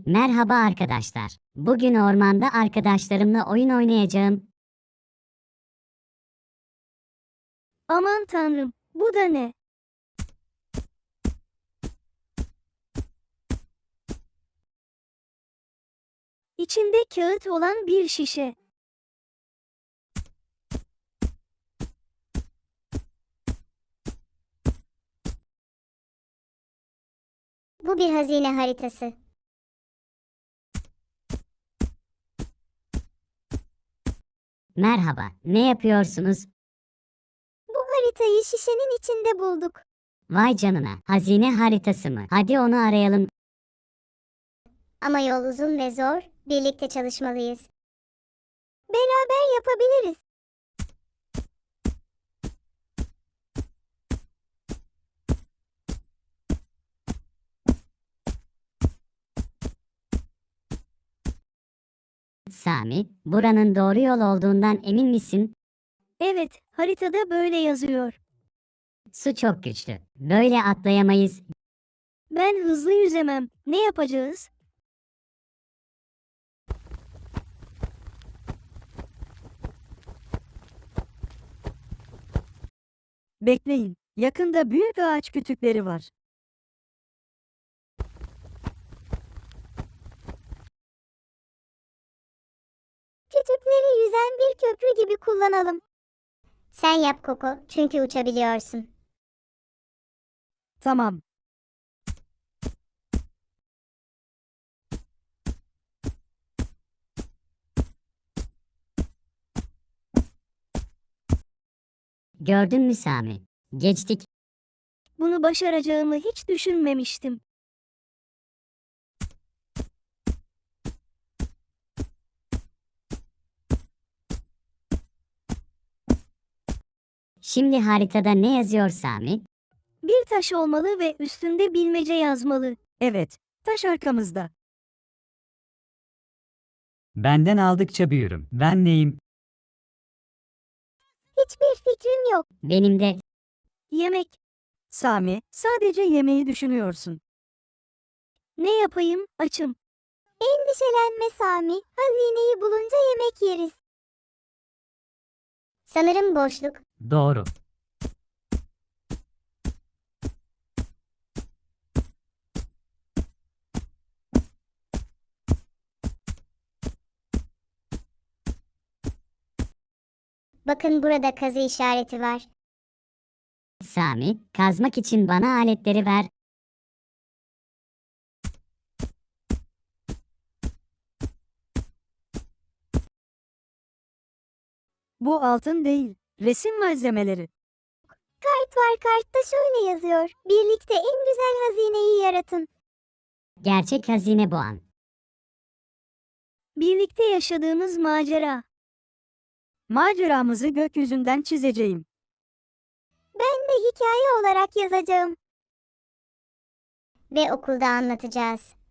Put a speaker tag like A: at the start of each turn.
A: Merhaba arkadaşlar. Bugün ormanda arkadaşlarımla oyun oynayacağım.
B: Aman tanrım, bu da ne? İçinde kağıt olan bir şişe.
C: Bu bir hazine haritası.
A: Merhaba, ne yapıyorsunuz?
C: Bu haritayı şişenin içinde bulduk.
A: Vay canına, hazine haritası mı? Hadi onu arayalım.
C: Ama yol uzun ve zor, birlikte çalışmalıyız. Beraber yapabiliriz.
A: Sami, buranın doğru yol olduğundan emin misin?
B: Evet, haritada böyle yazıyor.
A: Su çok güçlü. Böyle atlayamayız.
B: Ben hızlı yüzemem. Ne yapacağız?
D: Bekleyin, yakında büyük ağaç kütükleri var.
C: Kütükleri yüzen bir köprü gibi kullanalım. Sen yap Koko, çünkü uçabiliyorsun.
D: Tamam,
A: Gördün mü Sami? Geçtik.
B: Bunu başaracağımı hiç düşünmemiştim.
A: Şimdi haritada ne yazıyor Sami?
B: Bir taş olmalı ve üstünde bilmece yazmalı.
D: evet, taş arkamızda.
E: Benden aldıkça büyürüm. Ben neyim?
C: Hiçbir fikrim yok.
A: Benim de.
B: Yemek.
D: Sami, sadece yemeği düşünüyorsun.
B: Ne yapayım? Açım.
C: Endişelenme Sami, hazineyi bulunca yemek yeriz. Sanırım boşluk.
E: Doğru.
C: Bakın burada kazı işareti var.
A: Sami, kazmak için bana aletleri ver.
D: Bu altın değil, resim malzemeleri.
C: Kart var, kartta şöyle yazıyor. Birlikte en güzel hazineyi yaratın.
A: Gerçek hazine bu an.
B: Birlikte yaşadığımız macera.
D: Maceramızı gökyüzünden çizeceğim.
C: Ben de hikaye olarak yazacağım. Ve okulda anlatacağız.